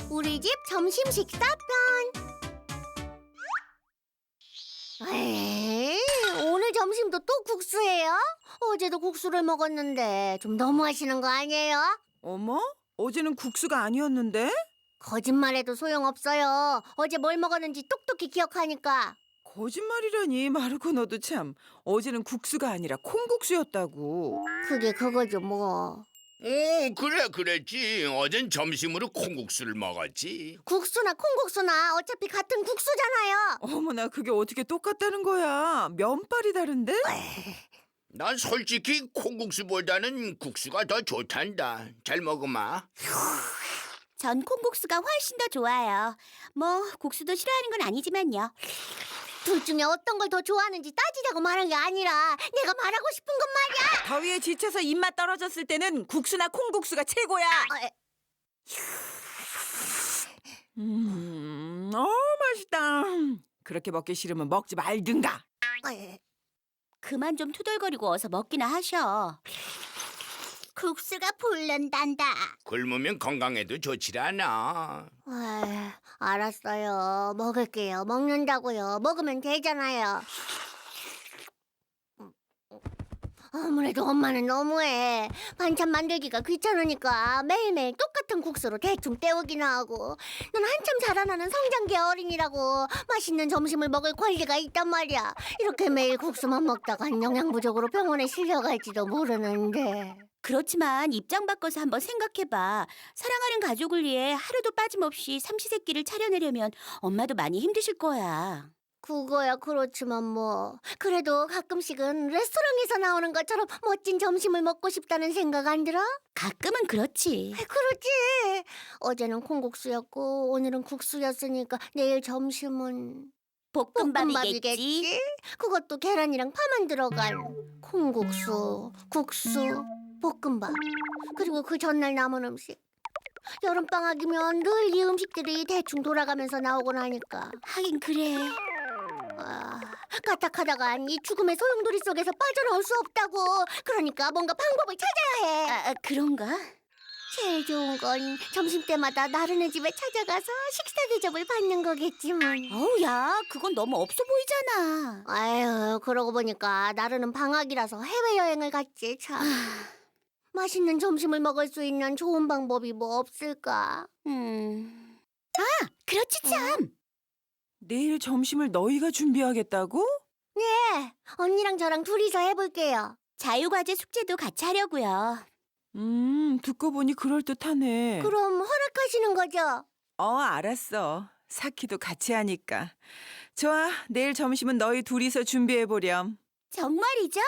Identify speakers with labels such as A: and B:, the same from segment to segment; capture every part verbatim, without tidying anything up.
A: 우리 집 점심 식사편. 에이, 오늘 점심도 또 국수예요? 어제도 국수를 먹었는데 좀 너무하시는 거 아니에요?
B: 어머? 어제는 국수가 아니었는데?
A: 거짓말해도 소용없어요. 어제 뭘 먹었는지 똑똑히 기억하니까.
B: 거짓말이라니 마르코 너도 참. 어제는 국수가 아니라 콩국수였다고.
A: 그게 그거죠 뭐.
C: 오, 그래, 그랬지. 어젠 점심으로 콩국수를 먹었지.
A: 국수나 콩국수나 어차피 같은 국수잖아요.
B: 어머나 그게 어떻게 똑같다는 거야. 면발이 다른데?
C: 난 솔직히 콩국수보다는 국수가 더 좋단다. 잘 먹어마.
D: 전 콩국수가 훨씬 더 좋아요. 뭐 국수도 싫어하는 건 아니지만요.
A: 둘 중에 어떤 걸 더 좋아하는지 따지자고 말한 게 아니라 내가 말하고 싶은 건 말이야.
B: 더위에 지쳐서 입맛 떨어졌을 때는 국수나 콩국수가 최고야.
A: 아,
B: 음, 어 맛있다. 그렇게 먹기 싫으면 먹지 말든가.
A: 아,
D: 그만 좀 투덜거리고 어서 먹기나 하셔.
A: 국수가 불른단다.
C: 굶으면 건강에도 좋질 않아.
A: 아, 알았어요. 먹을게요. 먹는다고요. 먹으면 되잖아요. 아무래도 엄마는 너무해. 반찬 만들기가 귀찮으니까 매일매일 똑같은 국수로 대충 때우기나 하고. 넌 한참 자라나는 성장기 어린이라고 맛있는 점심을 먹을 권리가 있단 말이야. 이렇게 매일 국수만 먹다간 영양 부족으로 병원에 실려갈지도 모르는데.
D: 그렇지만 입장 바꿔서 한번 생각해봐. 사랑하는 가족을 위해 하루도 빠짐없이 삼시세끼를 차려내려면 엄마도 많이 힘드실 거야.
A: 그거야 그렇지만 뭐 그래도 가끔씩은 레스토랑에서 나오는 것처럼 멋진 점심을 먹고 싶다는 생각 안 들어?
D: 가끔은 그렇지.
A: 그렇지. 어제는 콩국수였고 오늘은 국수였으니까 내일 점심은
D: 볶음밥이겠지.
A: 볶음밥이겠지? 그것도 계란이랑 파만 들어간 콩국수, 국수, 볶음밥. 그리고 그 전날 남은 음식. 여름방학이면 늘 이 음식들이 대충 돌아가면서 나오곤 하니까.
D: 하긴 그래.
A: 아, 까딱하다간 이 죽음의 소용돌이 속에서 빠져나올 수 없다고. 그러니까 뭔가 방법을 찾아야 해.
D: 아, 아, 그런가?
A: 제일 좋은 건 점심때마다 나른의 집에 찾아가서 식사 대접을 받는 거겠지만.
D: 어우, 야, 그건 너무 없어 보이잖아.
A: 아유, 그러고 보니까 나르는 방학이라서 해외여행을 갔지 참. 맛있는 점심을 먹을 수 있는 좋은 방법이 뭐 없을까?
D: 음. 아, 그렇지 참.
B: 내일 점심을 너희가 준비하겠다고?
A: 네, 언니랑 저랑 둘이서 해볼게요.
D: 자유과제 숙제도 같이 하려고요.
B: 음, 듣고 보니 그럴듯하네.
A: 그럼 허락하시는 거죠?
B: 어, 알았어. 사키도 같이 하니까. 좋아, 내일 점심은 너희 둘이서 준비해보렴.
D: 정말이죠?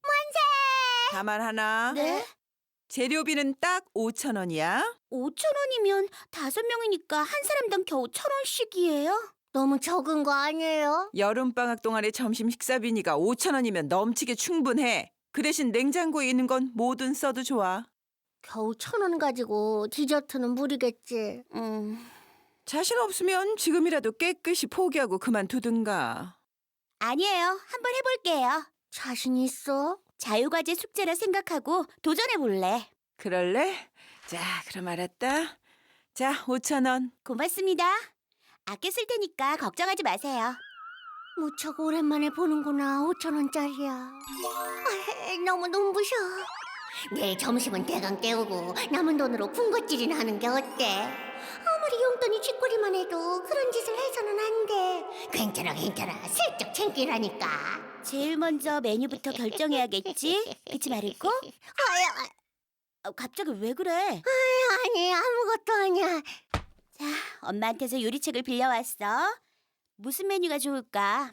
B: 다만 하나.
A: 네?
B: 재료비는 딱 오천 원이야.
D: 오천 원이면 다섯 명이니까 한 사람당 겨우 천 원씩이에요?
A: 너무 적은 거 아니에요?
B: 여름방학 동안의 점심 식사비니까 오천 원이면 넘치게 충분해. 그 대신 냉장고에 있는 건 뭐든 써도 좋아.
A: 겨우 천 원 가지고 디저트는 무리겠지.
D: 음,
B: 자신 없으면 지금이라도 깨끗이 포기하고 그만두든가.
D: 아니에요. 한번 해볼게요.
A: 자신 있어?
D: 자유과제 숙제라 생각하고 도전해볼래.
B: 그럴래? 자, 그럼 알았다. 자, 오천 원.
D: 고맙습니다. 아껴 쓸 테니까 걱정하지 마세요.
A: 무척 오랜만에 보는구나. 오천 원짜리야. 아, 너무 눈부셔. 내일 점심은 대강 때우고 남은 돈으로 군것질이나 하는 게 어때? 아무리 용돈이 쥐꼬리만 해도 그런 짓을 해서는 안 돼. 괜찮아 괜찮아. 슬쩍 챙기라니까.
D: 제일 먼저 메뉴부터 결정해야겠지? 그치 마르코?
A: 아야,
D: 어, 갑자기 왜 그래?
A: 아니 아무것도 아니야.
D: 자, 엄마한테서 요리책을 빌려왔어. 무슨 메뉴가 좋을까?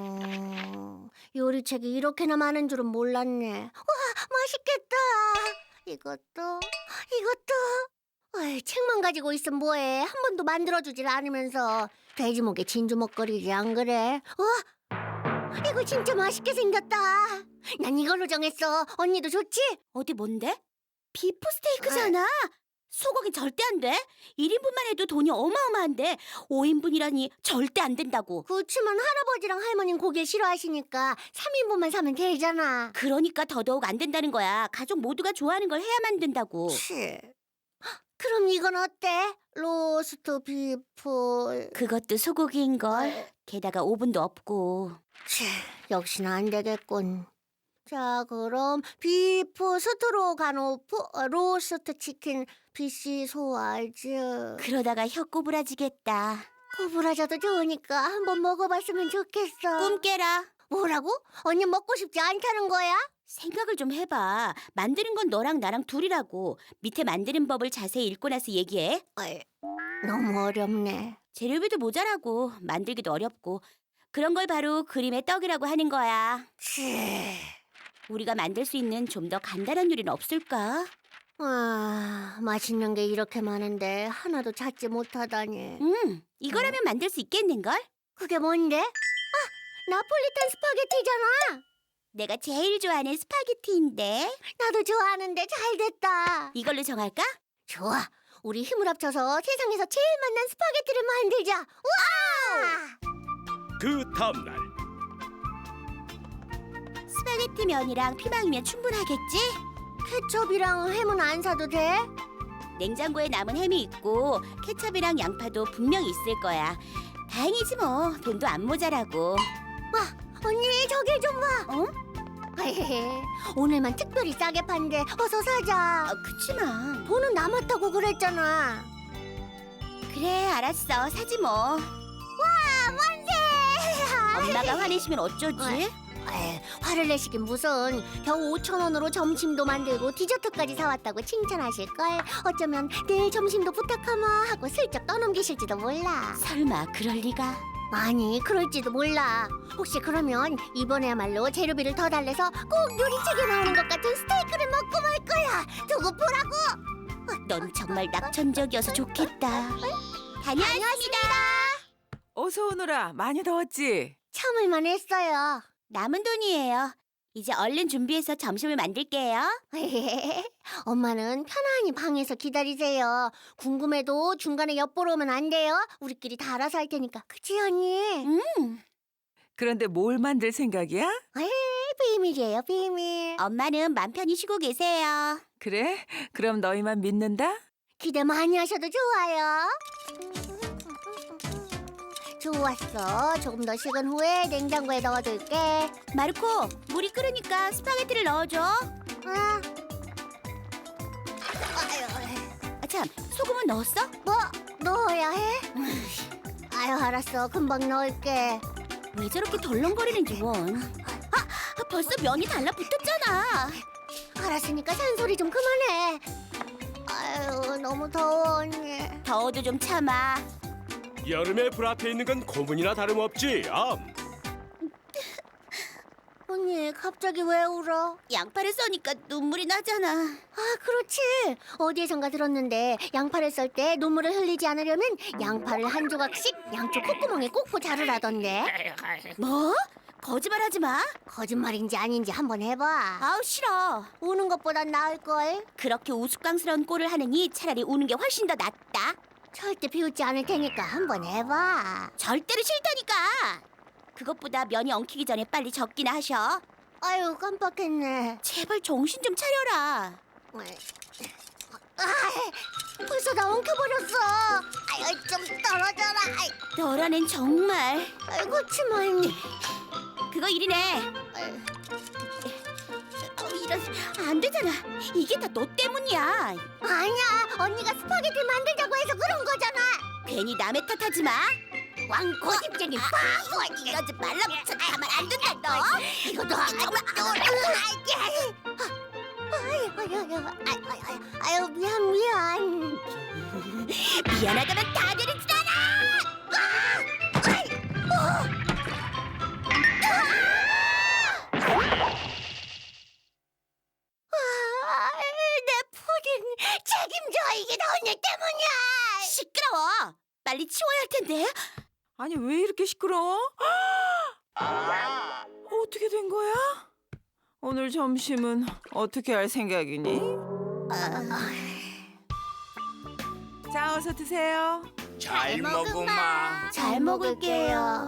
A: 어, 요리책이 이렇게나 많은 줄은 몰랐네. 와, 맛있겠다. 이것도, 이것도. 어이, 책만 가지고 있으면 뭐해. 한 번도 만들어주질 않으면서. 돼지목에 진주 먹거리지 안 그래? 와, 이거 진짜 맛있게 생겼다. 난 이걸로 정했어. 언니도 좋지?
D: 어디 뭔데? 비프 스테이크잖아. 소고기 절대 안 돼. 일 인분만 해도 돈이 어마어마한데 오 인분이라니 절대 안 된다고.
A: 그렇지만 할아버지랑 할머니는 고기를 싫어하시니까 삼 인분만 사면 되잖아.
D: 그러니까 더더욱 안 된다는 거야. 가족 모두가 좋아하는 걸 해야만 된다고.
A: 치. 그럼 이거 이건 어때? 로스트 비프.
D: 그것도 소고기인걸. 게다가 오븐도 없고.
A: 치, 역시나 안 되겠군. 자, 그럼 비프 스트로가노프, 어, 로스트 치킨, 비시 소화즈.
D: 그러다가 혀 꼬부라지겠다.
A: 구부라져도 좋으니까 한번 먹어봤으면 좋겠어.
D: 꿈 깨라.
A: 뭐라고? 언니 먹고 싶지 않다는 거야?
D: 생각을 좀 해봐. 만드는 건 너랑 나랑 둘이라고. 밑에 만드는 법을 자세히 읽고 나서 얘기해.
A: 어이, 너무 어렵네.
D: 재료비도 모자라고 만들기도 어렵고 그런 걸 바로 그림의 떡이라고 하는 거야.
A: 치.
D: 우리가 만들 수 있는 좀 더 간단한 요리는 없을까?
A: 아, 맛있는 게 이렇게 많은데 하나도 찾지 못하다니.
D: 음, 이거라면 만들 수 있겠는걸?
A: 그게 뭔데? 아, 나폴리탄 스파게티잖아.
D: 내가 제일 좋아하는 스파게티인데
A: 나도 좋아하는데 잘 됐다.
D: 이걸로 정할까?
A: 좋아. 우리 힘을 합쳐서 세상에서 제일 맛난 스파게티를 만들자. 우와!
E: 그 다음날
D: 스파게티 면이랑 피망이면 충분하겠지?
A: 케첩이랑 햄은 안 사도 돼?
D: 냉장고에 남은 햄이 있고 케첩이랑 양파도 분명히 있을 거야. 다행이지 뭐. 돈도 안 모자라고.
A: 언니 저길 좀 봐.
D: 어?
A: 헤헤헤. 오늘만 특별히 싸게 판대. 어서 사자.
D: 아, 그치만.
A: 돈은 남았다고 그랬잖아.
D: 그래, 알았어. 사지 뭐.
A: 와, 만세!
D: 엄마가 화내시면 어쩌지?
A: 에이, 화를 내시긴 무슨. 겨우 오천 원으로 점심도 만들고 디저트까지 사왔다고 칭찬하실걸. 어쩌면 내일 점심도 부탁하마 하고 슬쩍 떠넘기실지도 몰라.
D: 설마 그럴 리가?
A: 아니, 그럴지도 몰라. 혹시 그러면 이번에야말로 재료비를 더 달래서 꼭 요리책에 나오는 것 같은 스테이크를 먹고 말 거야. 두고 보라고.
D: 넌 정말 낙천적이어서 좋겠다. 다녀왔습니다.
B: 어서 오너라. 많이 더웠지?
A: 참을만 했어요.
D: 남은 돈이에요. 이제 얼른 준비해서 점심을 만들게요.
A: 엄마는 편안히 방에서 기다리세요. 궁금해도 중간에 엿보러 오면 안 돼요. 우리끼리 다 알아서 할 테니까. 그치, 언니?
D: 음,
B: 그런데 뭘 만들 생각이야?
A: 에이, 비밀이에요, 비밀.
D: 엄마는 맘 편히 쉬고 계세요.
B: 그래? 그럼 너희만 믿는다?
A: 기대 많이 하셔도 좋아요. 좋았어. 조금 더 식은 후에 냉장고에 넣어둘게.
D: 마르코, 물이 끓으니까 스파게티를 넣어줘.
A: 아. 아유,
D: 아, 참, 소금은 넣었어?
A: 뭐 넣어야 해? 아유, 알았어. 금방 넣을게.
D: 왜 저렇게 덜렁거리는지 원. 아, 벌써 면이 달라붙었잖아.
A: 알았으니까 산소리 좀 그만해. 아유, 너무 더워, 언니.
D: 더워도 좀 참아.
E: 여름에 불 앞에 있는 건 고문이나 다름없지. 암.
A: 언니, 갑자기 왜 울어?
D: 양파를 써니까 눈물이 나잖아.
A: 아, 그렇지. 어디에선가 들었는데 양파를 썰 때 눈물을 흘리지 않으려면 양파를 한 조각씩 양쪽 콧구멍에 꽂고 자르라던데.
D: 뭐? 거짓말하지 마.
A: 거짓말인지 아닌지 한번 해봐.
D: 아우 싫어.
A: 우는 것보단 나을걸.
D: 그렇게 우스꽝스러운 꼴을 하느니 차라리 우는 게 훨씬 더 낫다.
A: 절대 비웃지 않을 테니까 한번 해봐.
D: 절대로 싫다니까. 그것보다 면이 엉키기 전에 빨리 적기나 하셔.
A: 아유, 깜빡했네.
D: 제발 정신 좀 차려라.
A: 아, 벌써 다 엉켜버렸어. 아유, 좀 떨어져라. 아이,
D: 너라는 정말.
A: 아이, 그치만.
D: 그거 일이네.
A: 아유,
D: 어, 이런 안 되잖아. 이게 다 너 때문이야.
A: 아니야, 언니가 스파게티 만들자고 해서 그런 거잖아.
D: 괜히 남의 탓하지 마.
A: 왕고집쟁이 바보.
D: 이러지 말라고. 가만 안 둔다 너.
A: 이것도 정말 아유, 아유, 아유, 아유, 아유, 미안, 미안.
D: 미안하다면 다 되는 줄 알아.
A: 아, 내 푸딩 책임져. 이게 다 언니 때문이야.
D: 시끄러워. 빨리 치워야 할 텐데.
B: 아니 왜 이렇게 시끄러워? 어떻게 된 거야? 오늘 점심은 어떻게 할 생각이니? 자 어서 드세요.
C: 잘 먹으마.
A: 잘 먹을게요.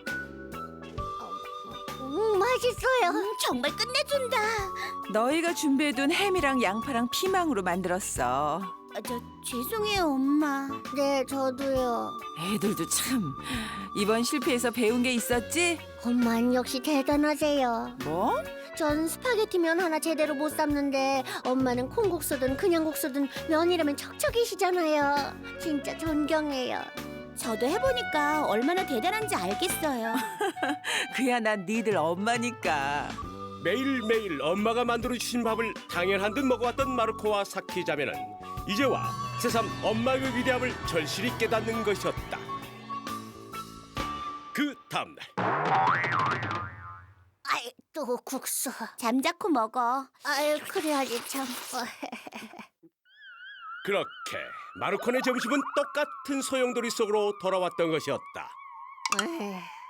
A: 음, 맛있어요.
D: 음, 정말 끝내준다.
B: 너희가 준비해둔 햄이랑 양파랑 피망으로 만들었어.
D: 아, 저 죄송해요, 엄마.
A: 네, 저도요.
B: 애들도 참 이번 실패에서 배운 게 있었지?
A: 엄마는 역시 대단하세요.
B: 뭐?
A: 전 스파게티면 하나 제대로 못 삶는데 엄마는 콩국수든 그냥 국수든 면이라면 척척이시잖아요. 진짜 존경해요.
D: 저도 해보니까 얼마나 대단한지 알겠어요.
B: 그야 난 니들 엄마니까.
E: 매일매일 엄마가 만들어주신 밥을 당연한 듯 먹어왔던 마르코와 사키 자매는 이제와 새삼 엄마의 위대함을 절실히 깨닫는 것이었다. 그 다음날
A: 아이, 또 국수.
D: 잠자코 먹어.
A: 아유, 그래야지 참.
E: 그렇게 마르코네 점심은 똑같은 소용돌이 속으로 돌아왔던 것이었다.
A: 에휴.